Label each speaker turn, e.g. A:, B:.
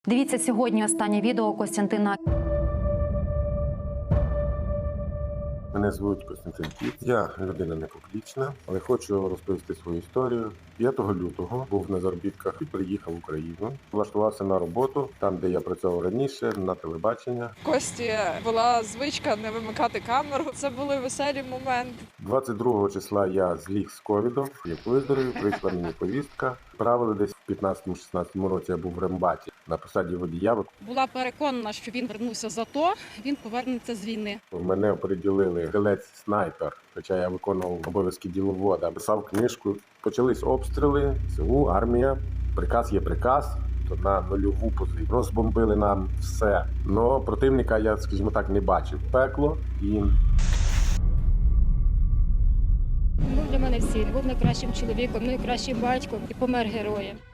A: Дивіться сьогодні останнє відео Костянтина.
B: Мене звуть Костянтин Кіт. Я людина не публічна, але хочу розповісти свою історію. 5 лютого був на заробітках і приїхав в Україну. Влаштувався на роботу там, де я працював раніше, на телебачення.
C: Кості була звичка не вимикати камеру. Це були веселі моменти.
B: 22 числа я зліг з ковідом, як виздоровів, прийшла мені повістка. Правили десь в 15-16 році я був в рембаті на посаді водія.
D: Була переконана, що він вернувся за то, він повернеться з війни.
B: Мене оприділили стрілець-снайпер, хоча я виконував обов'язки діловода. Писав книжку, почались обстріли, СУ, армія, приказ є приказ, то на нульову позицію. Розбомбили нам все. Но противника я, скажімо так, не бачив. Пекло і...
D: Був для мене всі, був найкращим чоловіком, найкращим батьком і помер героєм.